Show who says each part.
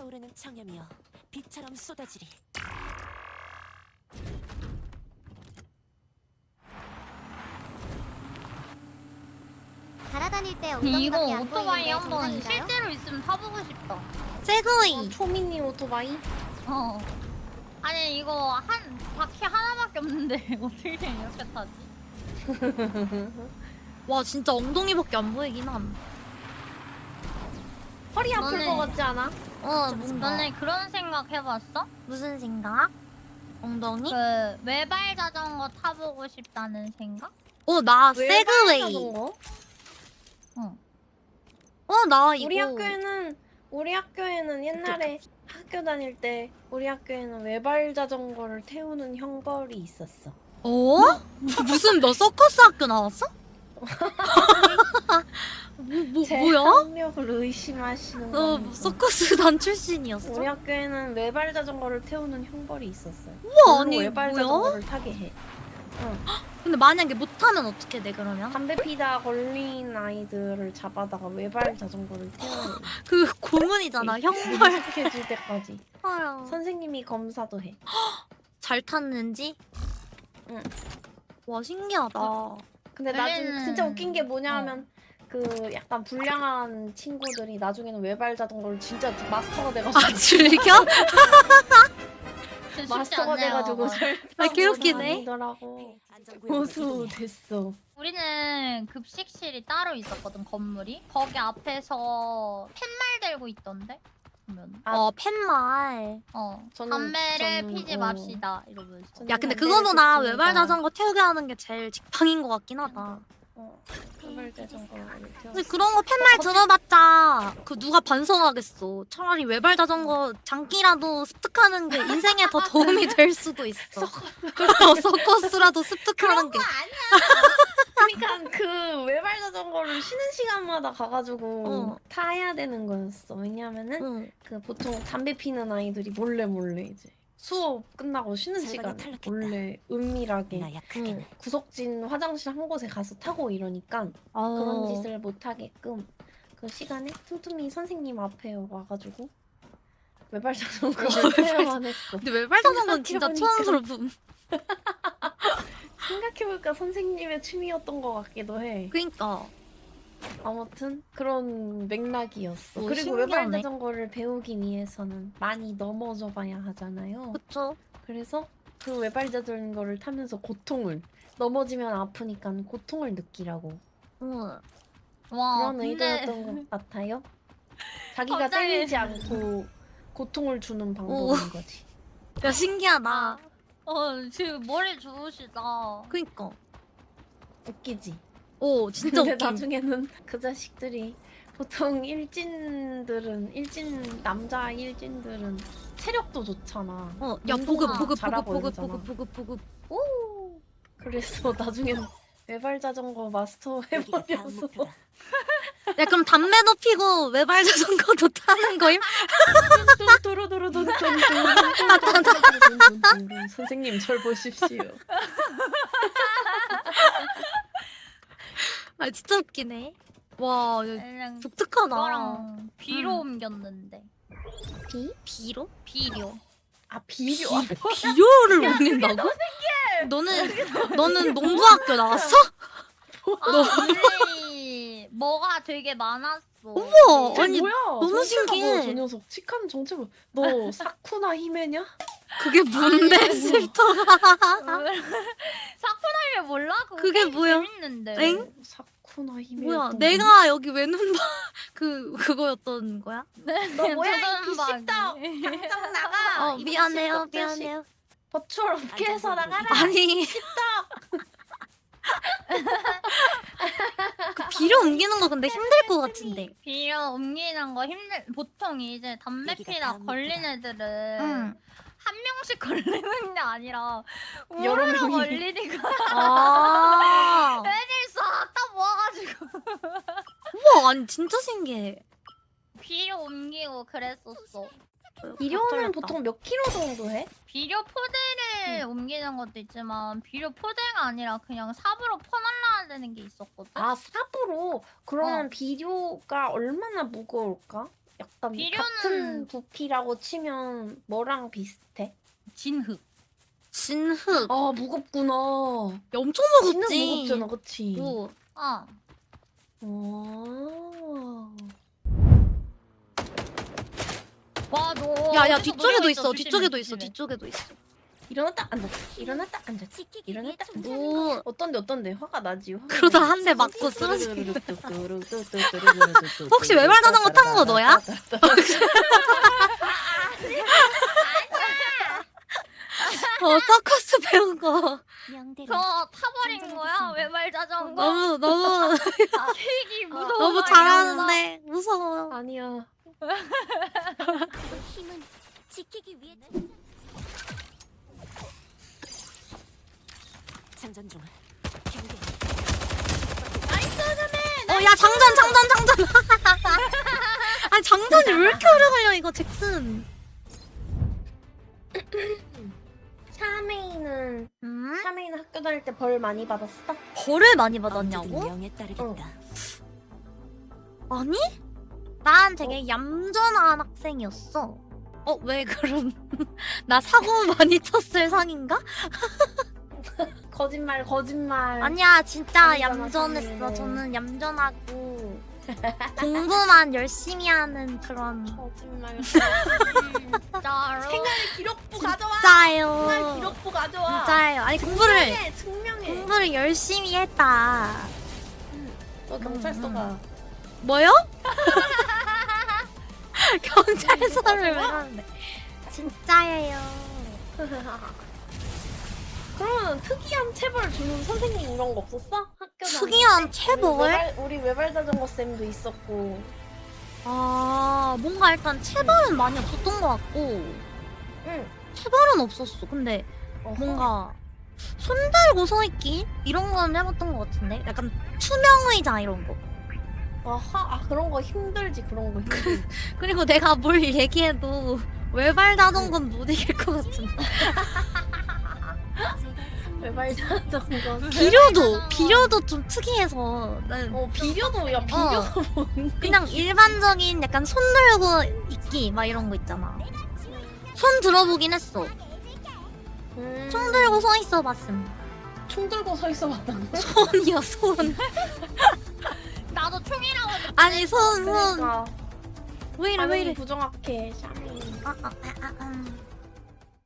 Speaker 1: 타오르는 청염이여 빛처럼 쏟아지리.
Speaker 2: 날아다닐 때
Speaker 3: 이거
Speaker 2: 엉덩이밖에 안
Speaker 3: 오토바이
Speaker 2: 보이는데
Speaker 3: 한번
Speaker 2: 정상인가요?
Speaker 3: 실제로 있으면 타보고 싶다.
Speaker 4: 세그웨이.
Speaker 5: 초미니 오토바이?
Speaker 3: 어. 아니 이거 한 바퀴 하나밖에 없는데 어떻게 이렇게 타지?
Speaker 4: 와 진짜 엉덩이밖에 안 보이긴 함.
Speaker 5: 허리 아플
Speaker 3: 너네-
Speaker 5: 것 같지 않아?
Speaker 4: 뭔가
Speaker 3: 너네 그런 생각 해봤어?
Speaker 4: 무슨 생각? 엉덩이?
Speaker 3: 그 외발 자전거 타보고 싶다는 생각?
Speaker 4: 나
Speaker 5: 왜
Speaker 4: 세그웨이.
Speaker 5: 자전거?
Speaker 3: 응.
Speaker 4: 나 이거.
Speaker 5: 우리 학교에는 옛날에 학교 다닐 때 우리 학교에는 외발 자전거를 태우는 형벌이 있었어.
Speaker 4: 무슨 너 서커스 학교 나왔어?
Speaker 5: 제
Speaker 4: 뭐야?
Speaker 5: 학력을 의심하시는
Speaker 4: 너
Speaker 5: 겁니까?
Speaker 4: 서커스단 출신이었어?
Speaker 5: 우리 학교에는 외발 자전거를 태우는 형벌이 있었어요.
Speaker 4: 우와,
Speaker 5: 별로
Speaker 4: 아니,
Speaker 5: 외발
Speaker 4: 뭐야?
Speaker 5: 자전거를 타게 해.
Speaker 4: 근데 만약에 못하면 어떻게 돼 그러면?
Speaker 5: 담배 피다 걸린 아이들을 잡아다가 외발 자전거를 태워요.
Speaker 4: 그 고문이잖아 형벌.
Speaker 5: 익숙해질 때까지.
Speaker 4: 아유.
Speaker 5: 선생님이 검사도 해.
Speaker 4: 잘 탔는지?
Speaker 5: 응.
Speaker 4: 와 신기하다.
Speaker 5: 근데 나중에
Speaker 3: 원래는-
Speaker 5: 진짜 웃긴 게 뭐냐면 그 약간 불량한 친구들이 나중에는 외발 자전거를 진짜 마스터가 돼가지고
Speaker 4: 아 즐겨?
Speaker 3: 쉽지
Speaker 5: 마스터가
Speaker 3: 않네요.
Speaker 5: 돼가지고
Speaker 4: 아, 개웃기네.
Speaker 5: 다니더라고.
Speaker 1: 안전구역으로
Speaker 5: 고수
Speaker 1: 이동해.
Speaker 5: 됐어.
Speaker 3: 우리는 급식실이 따로 있었거든 건물이. 거기 앞에서 팻말 들고 있던데. 보면
Speaker 4: 팻말.
Speaker 5: 저는-
Speaker 3: 피지 맙시다 이러면서.
Speaker 5: 저는
Speaker 4: 야 근데
Speaker 5: 담배를
Speaker 4: 그거보다
Speaker 5: 폈습니다.
Speaker 4: 외발 자전거 태우게 하는 게 제일 직방인 것 같긴 하다.
Speaker 5: 외발 자전거를 태웠어.
Speaker 4: 근데 그런 거 팻말 들어봤자 그 누가 반성하겠어. 차라리 외발 자전거 장기라도 습득하는 게 인생에 더 도움이 될 수도 있어. 서커스라도 습득하는 게.
Speaker 5: 그러니까 그 외발 자전거를 쉬는 시간마다 가가지고 타야 되는 거였어. 왜냐면은
Speaker 4: 응.
Speaker 5: 그 보통 담배 피는 아이들이 몰래 이제 수업 끝나고 쉬는
Speaker 1: 절반이
Speaker 5: 시간에
Speaker 1: 탈락했다.
Speaker 5: 몰래 은밀하게
Speaker 1: 나 약하게.
Speaker 5: 구석진 화장실 한 곳에 가서 타고 이러니까 그런 짓을 못 하게끔 그 시간에 틈틈이 선생님 앞에 와가지고 외발 자전거를 태워만 했어.
Speaker 4: 근데 외발 자전거는 진짜
Speaker 5: 생각해보니까.
Speaker 4: 초안스럽음.
Speaker 5: 생각해보니까 선생님의 취미였던 것 같기도 해.
Speaker 4: 그니까.
Speaker 5: 아무튼 그런 맥락이었어.
Speaker 4: 오,
Speaker 5: 그리고 외발
Speaker 4: 신기하네.
Speaker 5: 자전거를 배우기 위해서는 많이 넘어져 봐야 하잖아요.
Speaker 4: 그쵸?
Speaker 5: 그래서 그 외발 자전거를 타면서 고통을 넘어지면 아프니까 고통을 느끼라고
Speaker 4: 응.
Speaker 3: 와
Speaker 5: 그런
Speaker 3: 근데
Speaker 5: 의도였던 것 같아요. 자기가
Speaker 3: 갑자기-
Speaker 5: 때리지 않고 고통을 주는 방법인 거지.
Speaker 4: 야 신기하다.
Speaker 3: 지금 머리 좋으시다.
Speaker 4: 그니까.
Speaker 5: 웃기지.
Speaker 4: 진짜
Speaker 5: 근데
Speaker 4: 웃김.
Speaker 5: 나중에는 그 자식들이 보통 남자 일진들은 체력도 좋잖아.
Speaker 4: 야
Speaker 5: 운동도
Speaker 4: 보급
Speaker 5: 잘하고 이러잖아.
Speaker 4: 보급.
Speaker 5: 오. 그래서 나중엔 외발 자전거 마스터
Speaker 1: 여기가 다음
Speaker 5: 해버려서
Speaker 1: 목표다.
Speaker 4: 야 그럼 담배도 피고 외발 자전거도 타는 거임?
Speaker 5: 선생님 절 보십시오.
Speaker 4: 아 진짜 웃기네. 와
Speaker 3: 그냥
Speaker 4: 독특하다.
Speaker 3: 그거랑 비로 옮겼는데.
Speaker 4: 비로?
Speaker 3: 비료.
Speaker 5: 아 비료.
Speaker 4: 비료를 옮긴다고? 너는 농구학교 나왔어?
Speaker 3: 언니 뭐가 되게 많았어.
Speaker 4: 우와
Speaker 5: 쟤
Speaker 4: 아니
Speaker 5: 뭐야?
Speaker 4: 너무
Speaker 5: 정체가
Speaker 4: 신기해.
Speaker 5: 뭐야, 저 녀석 칙한 정체가 너 사쿠나 히메냐?
Speaker 4: 그게 뭔데 슬터가?
Speaker 3: 사쿠나를 몰라?
Speaker 4: 그게 뭐야?
Speaker 3: 재밌는데.
Speaker 4: 엥?
Speaker 5: 사쿠나 히메.
Speaker 4: 뭐야 내가 여기 왜 눈봐 그거였던 거야?
Speaker 5: 너 뭐야 이
Speaker 3: 조선박이.
Speaker 5: 기식덕. 당장 나가. 이
Speaker 4: 미안해요
Speaker 5: 기식덕 자식.
Speaker 4: 미안해요.
Speaker 5: 버추얼 업계에서 나가라.
Speaker 4: 아니 그 비료 옮기는 거 근데 힘들 것 같은데.
Speaker 3: 비료 옮기는 거 보통 이제 담배
Speaker 1: 여기가
Speaker 3: 피다
Speaker 1: 다음
Speaker 3: 걸린
Speaker 1: 목표다.
Speaker 3: 애들은
Speaker 4: 응.
Speaker 3: 한 명씩 걸리는 게 아니라
Speaker 5: 여러
Speaker 3: 우르르
Speaker 5: 명이.
Speaker 3: 걸리니까
Speaker 4: 아
Speaker 3: 애들 싹 다 모아가지고
Speaker 4: 우와 아니 진짜 신기해.
Speaker 3: 비료 옮기고 그랬었어.
Speaker 5: 비료는 보통 몇 킬로 정도 해?
Speaker 3: 비료 포대를 옮기는 것도 있지만 비료 포대가 아니라 그냥 삽으로 퍼날라야 되는 게 있었거든.
Speaker 5: 아 삽으로. 그러면 비료가 얼마나 무거울까? 약간
Speaker 3: 비료는-
Speaker 5: 같은 부피라고 치면 뭐랑 비슷해?
Speaker 3: 진흙.
Speaker 4: 진흙.
Speaker 5: 아 무겁구나.
Speaker 4: 야, 엄청
Speaker 5: 진흙
Speaker 4: 무겁지.
Speaker 5: 무겁잖아, 그치?
Speaker 4: 오.
Speaker 3: 어. 와, 너.
Speaker 4: 야야
Speaker 3: 어디서
Speaker 4: 뒤쪽에도
Speaker 3: 누워
Speaker 4: 있어. 뒤쪽에도 있어.
Speaker 3: 조심해.
Speaker 4: 뒤쪽에도 있어.
Speaker 5: 일어났다 앉았다. 일어났다 앉았다.
Speaker 1: 지키기
Speaker 5: 일어났다
Speaker 1: 위해
Speaker 5: 앉았다.
Speaker 4: 오.
Speaker 5: 어떤데 화가 나지? 화가
Speaker 4: 그러다
Speaker 5: 나지?
Speaker 4: 한 대 맞고 쓰러지. 혹시 외발 자전거 탄 거 너야? 서커스 배운 거.
Speaker 1: 명대로
Speaker 3: 저 타버린 거야? 외발 자전거?
Speaker 4: 너무
Speaker 3: 되게 무서워.
Speaker 4: 너무 잘하는데 무서워.
Speaker 5: 아니야.
Speaker 1: 힘은 지키기 위해 장전 중. 경계.
Speaker 4: 야 장전. 아니 장전이 왜 이렇게 오래 걸려 이거 잭슨.
Speaker 5: 샤메이는
Speaker 4: 음?
Speaker 5: 샤메이는 학교 다닐 때 벌 많이 받았어?
Speaker 4: 벌을 많이
Speaker 1: 언제든
Speaker 4: 받았냐고?
Speaker 1: 명에 따르겠다.
Speaker 4: 아니? 난 되게 얌전한 학생이었어. 왜 그럼 나 사고 많이 쳤을 상인가?
Speaker 5: 거짓말.
Speaker 4: 아니야 진짜
Speaker 5: 아니잖아,
Speaker 4: 얌전했어.
Speaker 5: 사실은.
Speaker 4: 저는 얌전하고 공부만 열심히 하는 그런
Speaker 5: 거짓말.
Speaker 3: 진짜로.
Speaker 5: 생활 기록부 가져와.
Speaker 4: 진짜예요.
Speaker 5: 생활 기록부 가져와.
Speaker 4: 진짜예요. 아니
Speaker 5: 증명해.
Speaker 4: 공부를 열심히 했다.
Speaker 5: 너 경찰서 가.
Speaker 4: 뭐요? 경찰서를 왜 가는데? 진짜예요.
Speaker 5: 그러면 특이한 체벌 주는 선생님 이런 거 없었어? 학교 다닐
Speaker 4: 특이한
Speaker 5: 때?
Speaker 4: 체벌?
Speaker 5: 우리 외발 자전거 쌤도 있었고.
Speaker 4: 뭔가 일단 체벌은 많이 없었던 것 같고
Speaker 5: 응.
Speaker 4: 체벌은 없었어. 근데 뭔가 손 들고 서 있기 이런 건 해봤던 것 같은데. 약간 투명 의자 이런 거.
Speaker 5: 그런 거 힘들지. 그런 거 힘들지.
Speaker 4: 그리고 내가 뭘 얘기해도 외발 자전거는 못 이길 것 같은데.
Speaker 5: 외발 자전거.
Speaker 4: 비료도 좀 특이해서 난
Speaker 5: 비료도 뭔데?
Speaker 4: 그냥 일반적인 약간 손 들고 있기 막 이런 거 있잖아. 손 들어보긴 했어. 총 들고 서 있어 봤음.
Speaker 5: 총 들고 서 있어 봤다고?
Speaker 4: 손이요 손.
Speaker 3: 나도 총이라고 했는데.
Speaker 4: 아니 손.
Speaker 5: 그러니까
Speaker 4: 왜 이래 왜
Speaker 5: 반응이
Speaker 4: 이래.
Speaker 5: 부정확해. 샤메이.
Speaker 4: 아.